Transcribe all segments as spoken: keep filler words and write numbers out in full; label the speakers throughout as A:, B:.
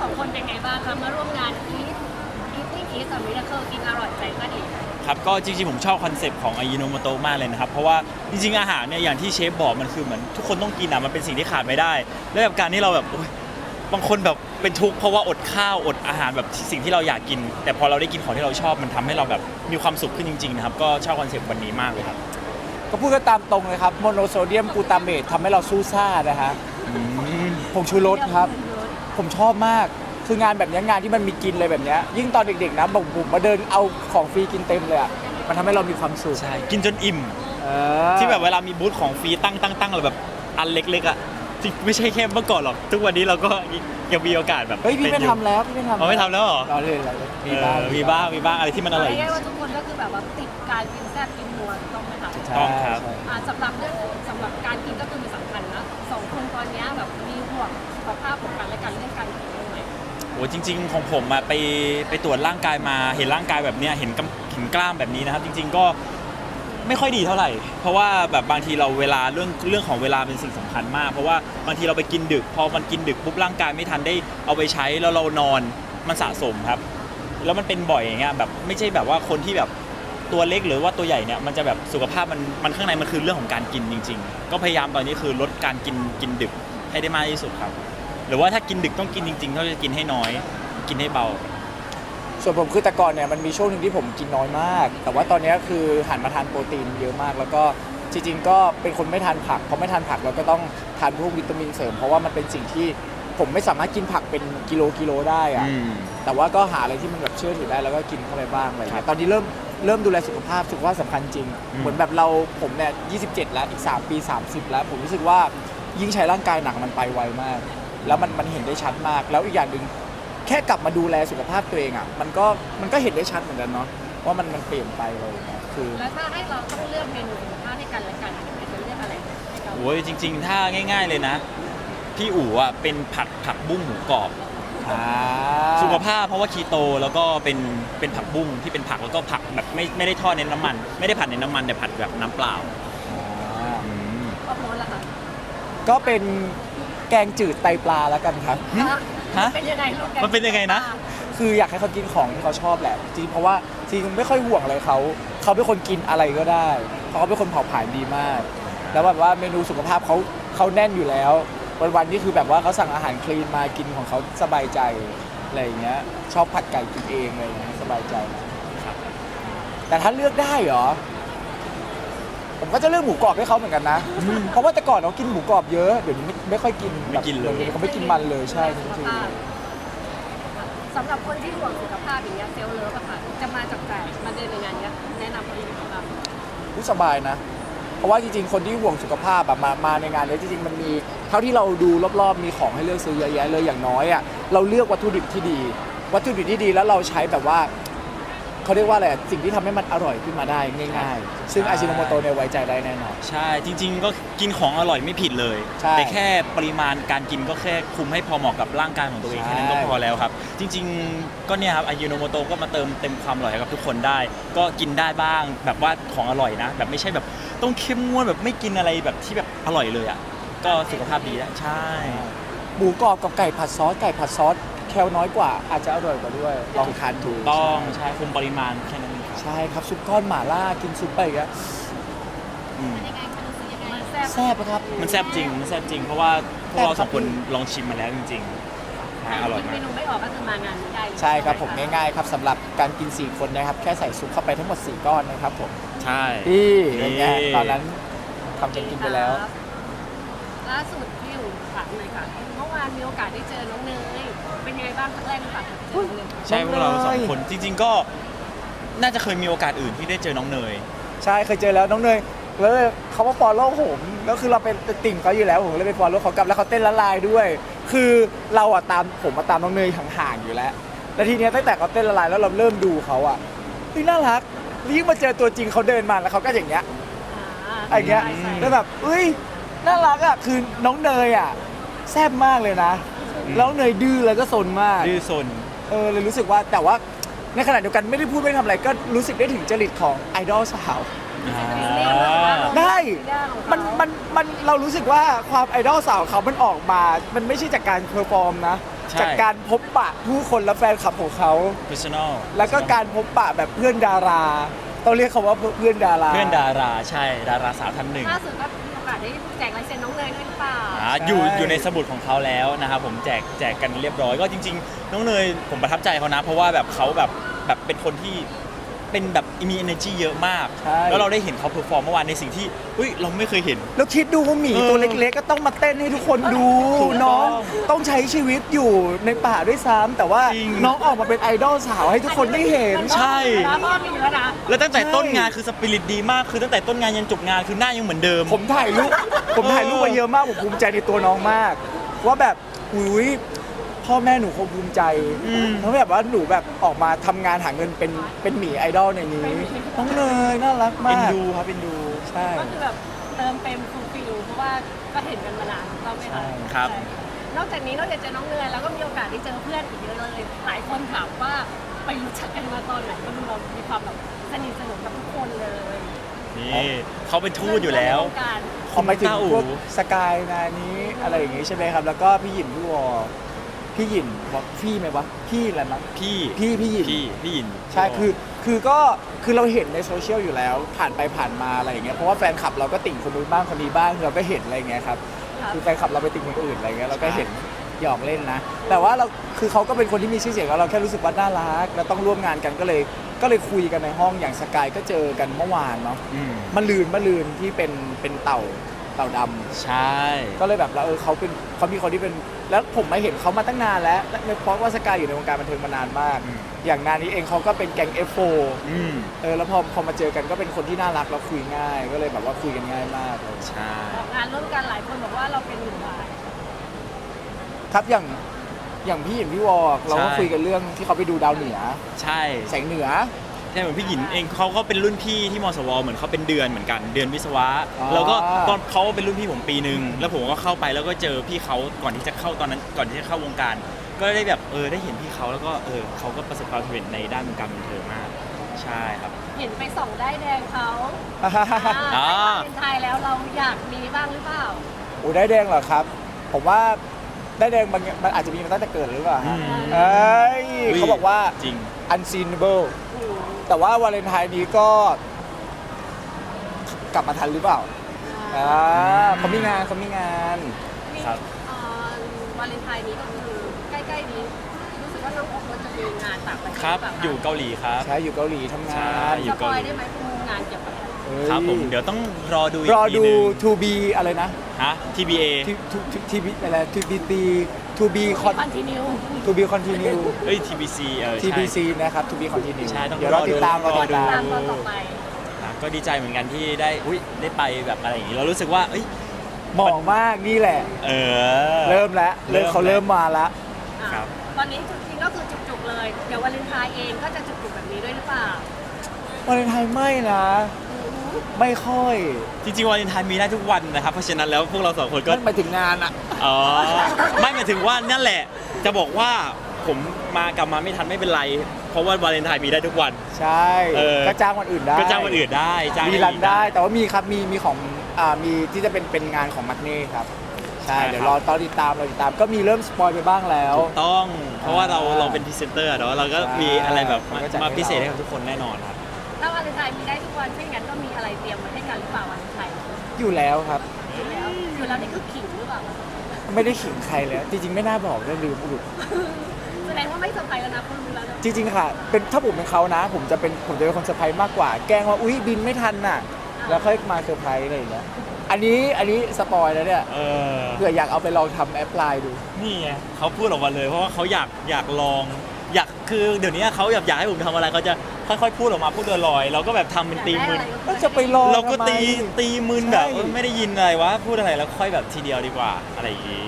A: สองคนเป็นไงบ้างคะมาร่วมงานอีทอีทนี่อีทกับมิราเคิลกินอร่อยใจก็ดี
B: ครับก็จริงๆผมชอบคอนเซปต์ของอายิโนโมโตะมากเลยนะครับเพราะว่าจริงๆอาหารเนี่ยอย่างที่เชฟบอกมันคือเหมือนทุกคนต้องกินอ่ะมันเป็นสิ่งที่ขาดไม่ได้แล้วแบบการที่เราแบบบางคนแบบเป็นทุกข์เพราะว่าอดข้าวอดอาหารแบบสิ่งที่เราอยากกินแต่พอเราได้กินของที่เราชอบมันทำให้เราแบบมีความสุขขึ้นจริงๆนะครับก็ชอบคอนเซปต์วันนี้มากเลยครับ
C: ก็พูดกันตามตรงเลยครับโมโนโซเดียมกลูตาเมตทำให้เราสู้ซ่านะฮะผงชูรสครับผมชอบมากคืองานแบบนี้งานที่มันมีกินเลยแบบนี้ยิ่งตอนเด็กๆนะบอกผมมาเดินเอาของฟรีกินเต็มเลยอ่ะมันทำให้เรามีความสุข
B: ใช่กินจนอิ่ม
C: เออ
B: ที่แบบเวลามีบูธของฟรีตั้งตั้งตั้งแบบอันเล็กๆอ่ะที่ไม่ใช่แค่เมื่อก่อนหรอกทุกวันนี้เราก็ยังมีโอกาสแบบ
C: เฮ้ยพี่ไม่ทำแล้วพี่ไม่ทำ
B: เราไม่ทำแล้วเหรอ
C: เราเลยเราเลย
B: มีบ้างมีบ้างมีบ้างอะไรที่มันอร่อย
A: เรียกว่าทุกคนก็คือแบบว่าติดการกินแซ่บกินนัวต้องไหมคะ
B: ต้องครับ
A: อ่าสำหรับเรื่องสำหรับการกินก็คือมีสำคัญนะสองคนตอนนี้แบบมีห่วงสุขภาพของกันและกันเรื่องการกินบ้างไหม
B: โอ้จริงๆของผมอะไปไปตรวจร่างกายมาเห็นร่างกายแบบเนี้ยเห็นกำเห็นกล้ามแบบนี้นะครับจริงๆก็ไม่ค่อยดีเท่าไหร่เพราะว่าแบบบางทีเราเวลาเรื่องเรื่องของเวลาเป็นสิ่งสำคัญมากเพราะว่าบางทีเราไปกินดึกพอมันกินดึกปุ๊บร่างกายไม่ทันได้เอาไปใช้แล้วเรานอนมันสะสมครับแล้วมันเป็นบ่อยอย่างเงี้ยแบบไม่ใช่แบบว่าคนที่แบบตัวเล็กหรือว่าตัวใหญ่เนี่ยมันจะแบบสุขภาพมันมันข้างในมันคือเรื่องของการกินจริงๆก็พยายามตอนนี้คือลดการกินกินดึกให้ได้มากที่สุดครับหรือว่าถ้ากินดึกต้องกินจริงๆก็จะกินให้น้อยกินให้เบา
C: ส่วนผมคือแต่ก่อนเนี่ยมันมีช่วงหนึ่งที่ผมกินน้อยมากแต่ว่าตอนนี้คือหันมาทานโปรตีนเยอะมากแล้วก็จริงๆก็เป็นคนไม่ทานผักเพราะไม่ทานผักเราก็ต้องทานพวกวิตามินเสริมเพราะว่ามันเป็นสิ่งที่ผมไม่สามารถกินผักเป็นกิโลกิโลได้อะแต่ว่าก็หาอะไรที่มันแบบเชื่อถือได้แล้วก็กินเข้าไปบ้างอะไรเงี้ยตอนนี้เริ่มเริ่มดูแลสุขภาพสุขภาพสำคัญจริงเหมือนแบบเราผมเนี่ยยี่สิบเจ็ดแล้วอีกสามปีสามสิบแล้วผมรู้สึกว่ายิ่งใช้ร่างกายหนักมันไปไวมากแล้วมันมันเห็นได้ชัดมากแล้วอีกอย่างหนึ่งแค่กลับมาดูแลสุขภาพตัวเองอ่ะมันก็มันก็เห็นได้ชัดเหมือนกันเนาะว่ามันมันเปลี่ยนไปเลยนะคือ
A: แล้วถ้าให้เราต้องเลือกเมนูสุขภาพให้กันและกันจะเลือกอะไรให้เรา
B: โอ้ยจริงๆถ้าง่ายๆเลยนะพี่อู๋อ่ะเป็นผัดผักบุ้งหมูกรอบสุขภาพเพราะว่าคีโตแล้วก็เป็นเป็นผักบุ้งที่เป็นผักแล้วก็ผักแบบไม่ไม่ได้ทอดในน้ำมันไม่ได้ผัดในน้ำมันแต่ผัดแบบน้ำเปล่า
A: ก็โพสละค่ะ
C: ก็เป็นแกงจืดไตปลาแล้วกันครับ
B: ฮะ
A: เป็นยังไงลูก
B: มันเป็นยังไงนะ
C: คืออยากให้เขากินของที่เขาชอบแหละจริงเพราะว่าจริงไม่ค่อยห่วงอะไรเขาเขาเป็นคนกินอะไรก็ได้เพราะเขาเป็นคนเผาผลาญดีมากแล้วแบบว่าเมนูสุขภาพเขาเขาแน่นอยู่แล้ววันๆนี่คือแบบว่าเขาสั่งอาหารคลีนมากินของเขาสบายใจอะไรอย่างเงี้ยชอบผัดไก่กินเองอะไรอย่างเงี้ยสบายใจแต่ถ้าเลือกได้เหรอผมก็จะเลือกหมูกรอบให้เขาเหมือนกันนะเพราะว่าแต่ก่อนเขากินหมูกรอบเยอะเดี๋ยวนี้ไม่ค่อยกินแบบเขาไม่กินมันเลยใช่จริง
A: สำหรับคนที่ห่วงสุขภาพอย่างเงี้ยเซลล์เลิฟอะค่ะจะมาจากไหนมาเดินในงานเนี้ยแนะนำคนที่มีสุขภาพ
C: ผู้สบายนะเพราะว่าจริงๆคนที่ห่วงสุขภาพแบบมามาในงานนี้จริงๆมันมีเท่าที่เราดูรอบๆมีของให้เลือกซื้อเยอะแยะเลยอย่างน้อยอ่ะเราเลือกวัตถุดิบที่ดีวัตถุดิบที่ดีแล้วเราใช้แบบว่าเขาเรียกว่าอะไรสิ่งที่ทำให้มันอร่อยขึ้นมาได้ง่ายๆซึ่งอาชิโนโมโตะเนี่ยไว้ใจได้แน่นอน
B: ใช่จริงๆก็กินของอร่อยไม่ผิดเลยแต่แค่ปริมาณการกินก็แค่คุมให้พอเหมาะกับร่างกายของตัวเองแค่นั้นก็พอแล้วครับจริงๆก็เนี่ยครับอายิโนโมโตะก็มาเติมเต็มความอร่อยให้กับทุกคนได้ก็กินได้บ้างแบบว่าของอร่อยนะแบบไม่ใช่แบบต้องเข้มงวดแบบไม่กินอะไรแบบที่แบบอร่อยเลยอ่ะก็สุขภาพดีนะใช่
C: หมูกรอบกับไก่ผัดซอสไก่ผัดซอสแคลน้อยกว่าอาจจะอร่อยกว่าด้วยลองทานดู
B: ต้องใช่คุมปริมาณแค่นั้น
C: ใช่ครับซุปก้อนหม่าล่ากินซุปไปอีกแล้วแซ่บครับ
B: มันแซ่บจริงมันแซ่บจริงเพราะว่าพวกเราสองคนลองชิมมาแล้วจริงๆอร่อยมาก
A: เมนูไม่ออกก็คือมางานได้
C: ใช่ครับผมง่ายๆครับสำหรับการกินสี่คนนะครับแค่ใส่ซุปเข้าไปทั้งหมดสี่ก้อนนะครับผม
B: ใช่
C: ที่อย่างเงี้ยตอนนั้นทำจนกินไปแล้ว
A: ล่าสุดพี่อยู่ถามเลยค่ะเมื่อวานมีโอกาสได้เจอน้องเนยเป็นยังไงบ้างครั้งแรกหรือเปล่า
B: ใช่พวกเราสองคนจริงๆก็น่าจะเคยมีโอกาสอื่นที่ได้เจอน้องเนย
C: ใช่เคยเจอแล้วน้องเนยแล้วเขามาฟอลโล่ผมแล้วคือเราเป็นติ่งเขาอยู่แล้วผมเลยไปฟอลโล่เขากลับแล้วเขาเต้นละลายด้วยคือเราอะตามผมมาตามน้องเนยห่างๆอยู่แล้วแล้วทีเนี้ยตั้งแต่เขาเต้นละลายแล้วเราเริ่มดูเขาอะเฮ้ยน่ารักยิ่งมาเจอตัวจริงเขาเดินมาแล้วเขาก็อย่างเงี้ยอะไรเงี้ยแล้วแบบเฮ้ยน่ารักอะคือน้องเนยอะแซ่บมากเลยนะแล้วเนยดื้อแล้วก็ซนมาก
B: ดื้อซน
C: เออเลยรู้สึกว่าแต่ว่าในขณะเดียวกันไม่ได้พูดไม่ทำอะไรก็รู้สึกได้ถึงจริตของไอดอลสาวได้มันมันมันเรารู้สึกว่าความไอดอลสาวเขามันออกมามันไม่ใช่จากการเพอร์ฟอร์มนะ
B: ใช่
C: จากการพบปะผู้คนและแฟนคลับของเขา
B: personal
C: แล้วก็การพบปะแบบเพื่อนดารา ต้องเรียกเขาว่าเพื่อนดารา
B: เพื่อนดาราใช่ดาราสาวท่านหนึ่ง
A: ล่าสุดก็มีโอกาสได้แจกลายเซ็นน้องเนยด้วยหรือเปล่า
B: อ่าอยู่อยู่ในสมุดของเขาแล้วนะครับผมแจกแจกกันเรียบร้อยก็จริงๆ น้องเนยผมประทับใจเขานะ เพราะว่าแบบเขาแบบแบบเป็นคนที่เป็นแบบมี energy เยอะมาก
C: ใช่
B: แล้วเราได้เห็นเขาเพอร์ฟอร์มเมื่อวานในสิ่งที่อุ้ยเราไม่เคยเห็น
C: แล้วคิดดูว่าหมี
B: เออ
C: ตัวเล็กๆ ก็ต้องมาเต้นให้ทุกคนดู
B: ถูกต้อง
C: น้องต้องใช้ชีวิตอยู่ในป่าด้วยซ้ำแต่ว่า
B: จริง
C: น้องออกมาเป็นไอดอลสาวให้ทุกคนได้เห็น
B: ใช่
A: แล้วก็มีแล้วนะ
B: แล้วตั้งแต่
C: ใช่
B: ต้นงานคือสปิริตดีมากคือตั้งแต่ต้นงานยันจบงานคือหน้ายังเหมือนเดิม
C: ผมถ่ายรูปผมถ่ายรูปมาเยอะมากผมภูมิใจในตัวน้องมาก ว่าแบบอุ้ยพ่อแม่หนูคงภูมิใจ
B: อืม
C: เพราะแบบว่าหนูแบบออกมาทำงานหาเงินเป็นเป็นหมีไอดอลในนี้น้องเนยน่ารัก
B: เอ็
C: มาน ก
B: ดูครับเอ็นดู
C: ใช่
A: ก็คือแบบเติมเต็มฟูลฟิลเพราะว่าก็เห็นกันมานานเราไม่ทัน
B: ครับ
A: ใช่นอกจากนี้นอกจากเจอน้องเนยแล้วก็มีโอกาสได้เจอเพื่อนอีกเยอะเลย หลายคนถามว่าไปรู้จักกันมาตอนไหนก็ดูเรามีความแบบสนิทสนมกับทุกคนเลย
B: นี่เขาเป็นทูตอยู่แล้ว
A: ในวงการ
C: พอไปถึง
B: ต้าอู๋
C: พวกสกายนานี้อะไรอย่างงี้ใช่ไหมครับ แล้วก็พี่หยินพี่วอพี่หยินบอกพี่ไหมวะพี่อะไรมั้ง
B: พี่
C: พี่พี่หยิน
B: พี่พี่หยิน
C: ใช่คือคือก็คือเราเห็นในโซเชียลอยู่แล้ว ผ่านไปผ่านมาอะไรอย่างเงี้ยเพราะว่าแฟนคลับเราก็ติ่งคนนู้นบ้างคนนี้บ้างเราก็เห็นอะไรอย่างเงี้ยครับ
A: ครับ
C: คือแฟนคลับเราไปติ่งคนอื่นอะไรเงี้ยเราก็เห็นหยอกเล่นนะ แต่ว่าเราคือเขาก็เป็นคนที่มีชื่อเสียงแล้วเราแค่รู้สึกว่าน่ารักแล้วต้องร่วมงานกันก็เลยก็เลยคุยกันในห้องอย่างสกายก็เจอกันเมื่อวานเนาะ
B: อืม
C: มะลืนมะลืนที่เป็นเป็นเต่าเต่าดำ
B: ใช่
C: ก็เลยแบบเราเออเขาเป็นเขามีคนที่เป็นแล้วผมมาเห็นเขามาตั้งนานแล้วและเพราะว่าสกายอยู่ในวงการบันเทิงมานานมาก อย่างงานนี้เองเขาก็เป็นแก๊ง เอฟ โฟร์
B: อืม
C: เออแล้วพอพอมาเจอกันก็เป็นคนที่น่ารักแล้วคุยง่าย ก็เลยแบบว่าคุยกันง่ายมากเลย
B: ใช่
A: ออกงานร่วมกันหลายคนบอกว่าเราเป็นหนึ่งวาย
C: ครับอย่างอย่างพี่หยินพี่วอกเราก็คุยกันเรื่องที่เขาไปดูดาวเหนือ
B: ใช่
C: แสงเหนือ
B: ใช่เหมือนพี่หยินเองเขาก็เป็นรุ่นพี่ที่มสวเหมือนเขาเป็นเดือนเหมือนกันเดือนวิศวะ
C: อ๋อ
B: แล้วก็ตอนเขาเป็นรุ่นพี่ผมปีหนึ่งแล้วผมก็เข้าไปแล้วก็เจอพี่เขาก่อนที่จะเข้าตอนนั้นก่อนที่จะเข้าวงการ ก็ได้แบบเออได้เห็นพี่เขาแล้วก็เออเขาก็ประสบความสำเร็จในด้านวงการบันเทิงมาก ใช่ครับ
A: เห็นไปส่องได้ายแดงเขา
B: อ่า
A: อ่าเป็นไทยแล้วเราอยากมีบ้างหรือเปล่า
C: โอ้ได้แดงเหรอครับ ผมว่าได้แดงบางอย่างมันอาจจะมีมาตั้งแต่เกิดหรือเปล่าฮะ
B: อืม
C: เอ้ยเขาบอกว่า
B: จริง
C: unseenable แต่ว่าวาเลนไทน์นี้ก็กลับมาทันหรือเปล่าอ่าเขามีงานเขามีงาน
B: ครับ
A: เอ่อวาเลนไทน์นี้ก็คือใกล้ๆนี้รู้สึกว่าน้องโอ๊คจะมีงานต่างประเทศ
B: ครับ
A: หเปล่าะ
B: อยู่เกาหลีครับ
C: ใช่อยู่เกาหลีทำงา
B: ใช่
C: น
B: อยู่
A: สปอยได้ไหมคืองานเกี่ยวกับอะไร
C: เอ้ย
B: ครับผมเดี๋ยวต้องรอดูอีก
C: รอ
B: ที
C: ดู
B: นึง
C: to be อะไรนะ
B: ฮะ ที บี เอ
C: to to to to be อะไร to be to be con
A: คอนติเนีย
C: to be continue
B: เอ้ย ที บี ซี เออ
C: ที
B: ใช่
C: บี ซี นะครับ to be continue
B: ใช่ต้อง
C: เดี๋ยวเราติดตาม
B: รอดู
C: เราติดตา
A: ตาม มตอนต่อไป
B: อ่ะก็ดีใจเหมือนกันที่ได้อุ้ยได้ไปแบบอะไรอย่างนี้เรารู้สึกว่าเอ้ย
C: เหมาะมากนี่แหละ
B: เออ
C: เริ่มแล้วเริ่ม
B: เริ่ม
C: เขาเริ่มมาแล้ว
A: อ่ะ
B: ครับ
A: ตอนนี้จริงๆก็คือจุกๆเลย เดี๋ยววาเลนไทน์เองก็จะจุกๆแบบนี้ด้วยหรือเปล่า
C: วาเลนไทน์ไม่นะ ไม่ค่อย
B: จริงๆวาเลนไทน์มีได้ทุกวันนะครับ เพราะฉะนั้นแล้วพวกเราสองคนก็
C: นั่นหมายถึงงานอะ
B: อ๋อ ไม่หมายถึงว่านั่นแหละ จะบอกว่าผมมากลับมาไม่ทันไม่เป็นไร เพราะว่าวาเลนไทน์มีได้ทุกวัน
C: ใช่
B: เออ
C: ก็จ้างวันอื่นได้
B: ก็จ้างวันอื่นได้จ้าง
C: มีรันได้ แต่ว่ามีครับ มีมีของอ่ามีที่จะเป็นเป็นงานของมักเน่ครับ ใช่ เดี๋ยวรอตอนติดตามเราติดตาม ก็มีเริ่มสปอยไปบ้างแล้ว
B: ถูกต้อง เพราะว่าเรา
C: อ่า
B: เราเป็นพรีเซนเตอร์เนาะเราก็มีอะไรแบบมา
C: เขาก็จัดให้
B: มา
C: เรา
B: พิเศษให้กับทุกคนแน่นอนครับ
A: ถ้าวาเลนไทน์มีได้ทุกวันเช่นกันก็มีอะไรเตรียมไว้ให้กันหรือเปล่าวาเลนไทน์
C: อยู่แล้วครับ
A: อยู่แล้วอยู่แล้วนี่คือขิงหรือเปล่า
C: ไม่ได้ขิงใครเลย จริงๆ ไม่น่าบอกเลยลืมอุด
A: แสดงว่าไม่เซอร์ไพรส์แล้วนะคุณรู้แล้วนะ
C: จริงๆ ค่ะ เป็นถ้าผมเป็นเขานะ ผมจะเป็นผมจะเป็นคนเซอร์ไพรส์มากกว่า แกล้งว่า อุ๊ย บินไม่ทันน่ะ แล้วค่อยมาเซอร์ไพรส์อะไรอย่างเงี้ย อันนี้อันนี้สปอยแล้วเนี่ย
B: เออ
C: เผื่ออยากเอาไปลองทำแอปพลายดู
B: นี่ไงเขาพูดออกมาเลย เพราะว่าเขาอยากอยากลอง อยากคือเดี๋ยวนี้เขาอยากอยากให้ผมทำอะไรเขาจะค่อยๆพูดออกมาพูดลอยๆเราก็แบบทำเป็นตีมึน
C: ก็จะไปลอง
B: เราก็
C: ทำไม
B: ตีตีมึนแบบ
C: ใช่
B: เออไม่ได้ยินอะไรวะพูดอะไรแล้วค่อยแบบทีเดียวดีกว่าอะไรอย่างงี้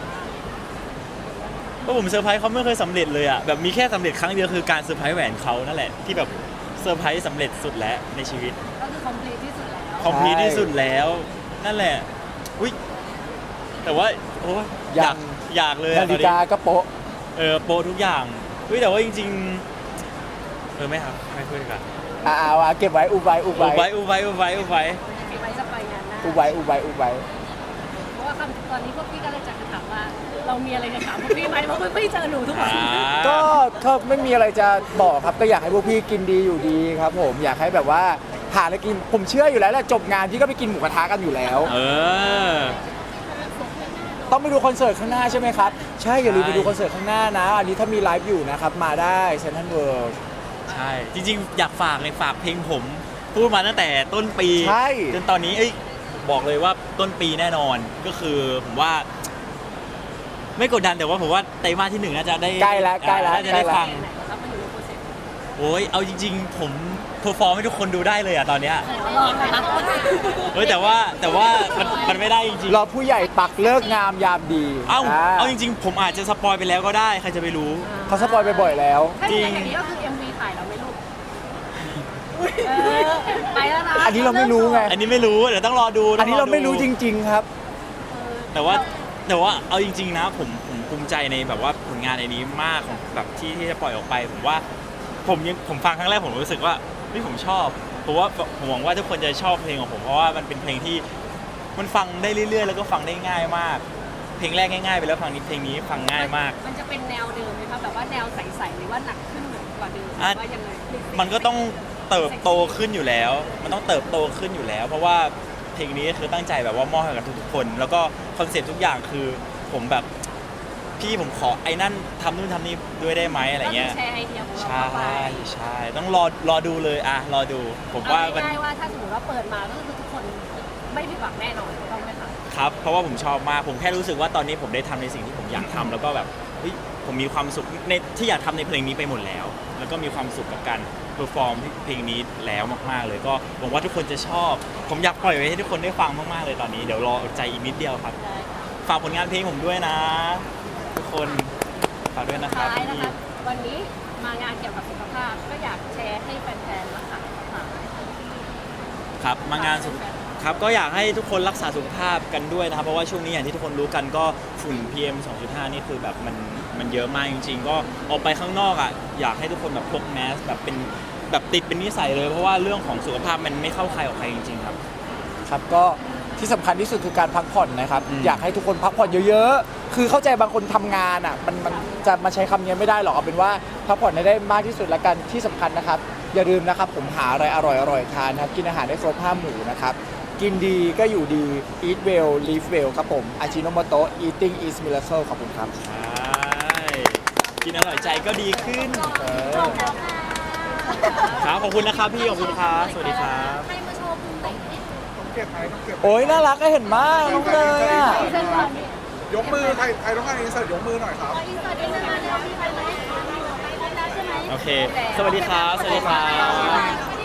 B: ก็ผมเซอร์ไพรส์เขาไม่เคยสำเร็จเลยอะแบบมีแค่สำเร็จครั้งเดียวคือการเซอร์ไพรส์แหวนเขานั่นแหละที่แบบเซอร์ไพรส์สำเร็จสุดแล้วในชีวิต
A: ก็คือคอมพลีทที่สุดแล้ว
B: คอมพลีทที่สุดแล้วนั่นแหละอุ้ยแต่ว่าโอ้ยอยากอยากเลยอะ
C: นาฬิกาก็โป๊ะ
B: เออโปรทุกอย่างเฮ้ยแต่ว่าจริงๆเออไม่ครับไม่พูดดีกว่า
C: อ่าเอาเก็บไว้อุบไว้อุบ
B: อุบ
C: ไว้
B: ไว้อุบไว้อุบไว้อุบไว้
A: เก็บไว้จะไปงานหน้า
C: อุบไว้อุบไว้อุบไว้
A: โอ้ว่าคำตอนนี้พวกพี่ก็เลยจะถามว่า เรามีอะไรจะถามพวกพี่ไหมเพราะพวกพี่เจอหนูทุกวัน
B: อ่า
C: ก็ก็ไม่มีอะไรจะบอกครับก็อยากให้พวกพี่กินดีอยู่ดีครับผมอยากให้แบบว่าหาอะไรกินผมเชื่ออยู่แล้วแหละจบงานพี่ก็ไปกินหมูกระทะกันอยู่แล้ว
B: เออ
C: ต้องไปดูคอนเสิร์ตข้างหน้าใช่ไหมครับ ใช่อย่าลืม
B: ใช่
C: ไปดูคอนเสิร์ตข้างหน้านะ อันนี้ถ้ามีไลฟ์อยู่นะครับ มาได้เซนทรัลเวิลด์
B: ใช่ จริงๆ อยากฝากเลยฝากเพลงผม พูดมาตั้งแต่ต้นปี
C: ใช่
B: จนตอนนี้เอ้ยบอกเลยว่าต้นปีแน่นอนก็คือผมว่า ไม่กดดันแต่ว่าผมว่าไตรมาสที่หนึ่งน่าจะได้
C: ใกล้แล้วใกล้แล้ว
B: น่าจะ
C: ใกล้
B: ได้
C: แล้ว
B: ฟัง
A: ไหนนะครับมันอยู่ในโปรเซส
B: โอ้ยเอาจริง ๆ ผมเพอร์ฟอร์มให้ทุกคนดูได้เลยอะตอนเนี้ย
A: ลองนะคะ
B: เฮ้ยแต่ว่าแต่ว่ามันมันไม่ได้จริง
C: รอผู้ใหญ่ปักเลิกงามยามดี
B: ๆเอ้าเอาจริง ๆ ผมอาจจะสปอยไปแล้วก็ได้ใครจะไปรู้
C: เขาสปอยไปบ่อยแล้ว
A: ถ้าอย่างนี้ก็คือ เอ็ม วี ถ่ายแล้วไหม่ลูกเออไปแล้วนะ
C: อันนี้เราไม่รู้ไง
B: อันนี้ไม่รู้เดี๋ยวต้องรอดูต้
C: อั
B: ง
C: นนี้เราไม่รู้จริง ๆ ครับ
B: แต่ว่าแต่ว่าเอาจริง ๆ นะผมผมภูมิใจในแบบว่าผลงานในนี้มากของแบบที่ที่จะปล่อยออกไป ผมว่าผมยังผมฟังครั้งแรกผมรู้สึกว่าเฮ้ยผมชอบเพราะว่าผมหวังว่าทุกคนจะชอบเพลงของผมเพราะว่ามันเป็นเพลงที่มันฟังได้เรื่อย ๆ แล้วก็ฟังได้ง่ายมาก เพลงแรกง่ายๆไปแล้วฟังนี้เพลงนี้ฟังง่ายมาก
A: มันจะเป็นแนวเดิมไหมคะแบบว่าแนวใสๆหรือว่าหนักขึ้นกว่าเดิมหรือว่ายังไง
B: มันก็ต้องเติบโตขึ้นอยู่แล้ว มันต้องเติบโตขึ้นอยู่แล้ว เพราะว่าเพลงนี้คือตั้งใจแบบว่ามอบให้กับทุกๆคน แล้วก็คอนเซ็ปต์ทุกอย่างคือผมแบบพี่ผมขอไอ้นั่นทำนู่นทำนี่ด้วยได้ไหมอะไรเงี้ย
A: ก็คือแชร์ไอเดียของเรา
B: ใช่
A: เข้าไป
B: ใช่ต้องรอรอดูเลยอ่ะรอดู ผมว่า
A: เอา
B: มัน
A: ง่ายๆว่าถ้าสมมติว่าเปิดมาก็คือทุกคนไม่ผิดหวังแน่นอนถูกต้องไหมคะ
B: ครับ เพราะว่าผมชอบมาก ผมแค่รู้สึกว่าตอนนี้ผมได้ทำในสิ่งที่ผมอยากทำแล้วก็แบบเฮ้ยผมมีความสุขในที่อยากทำในเพลงนี้ไปหมดแล้ว แล้วก็มีความสุขกับการเพอร์ฟอร์มเพลงนี้แล้วมากๆ เลยก็หวังว่าทุกคนจะชอบ ผมอยากปล่อยไว้ให้ทุกคนได้ฟังมากๆเลยตอนนี้เดี๋ยวรออดใจอีกนิดเดียวครับ
A: ได้ค่ะ
B: ฝากผลงานเพลงผมด้วยนะ ทุกคนฝากด้วยนะครับ
A: ท้ายนะคะ วันนี้มางานเกี่ยวกับสุขภาพก็อยากแชร์ให้แฟนๆรักษาสุขภาพ
B: ครับมางานสุขครับก็อยากให้ทุกคนรักษาสุขภาพกันด้วยนะครับเพราะว่าช่วงนี้อย่างที่ทุกคนรู้กันก็ฝุ่น พี เอ็ม สองจุดห้า นี่คือแบบมันมันเยอะมากจริง ๆ ก็ออกไปข้างนอกอ่ะอยากให้ทุกคนแบบพกแมสแบบเป็นแบบติดเป็นนิสัยเลยเพราะว่าเรื่องของสุขภาพมันไม่เข้าใครออกใครจริงๆครับ
C: ครับก็ที่สำคัญที่สุดคือการพักผ่อนนะครับ
B: อืม
C: อยากให้ทุกคนพักผ่อนเยอะๆ คือเข้าใจบางคนทำงานอ่ะมันมันจะมาใช้คำนี้ไม่ได้หรอกเอาเป็นว่าพักผ่อนให้ได้มากที่สุดละกันที่สำคัญนะครับ อย่าลืมนะครับผมหาอะไรอร่อยๆทานนะครับกินอาหารได้ครบห้าหมู่นะครับกินดีก็อยู่ดี eat well live well ครับผมอาชิโนโมโตะ eating is miracle ขอบคุณครับ
B: ใช่กินอร่อยใจก็ดีขึ้น
C: เออ
B: ครับขอบคุณนะครับพี่ขอบคุณครับสวัสดีครับ
A: ให้มาโชว์ภูมิไหน
C: โอ้ยน่ารักก็เห็นมากน้องเนยอ่ะ
A: เส้นก่อนนี่
D: ยกมือใครใครต้องการอินเสิร์ตยกมือหน่อยครับ
A: อินเสิร์ตได้ไหมเดี๋ยวพี่ไปไหมไปแล้วใช่ไหม
B: โอเค สวัสดีครับสวัสดีครับ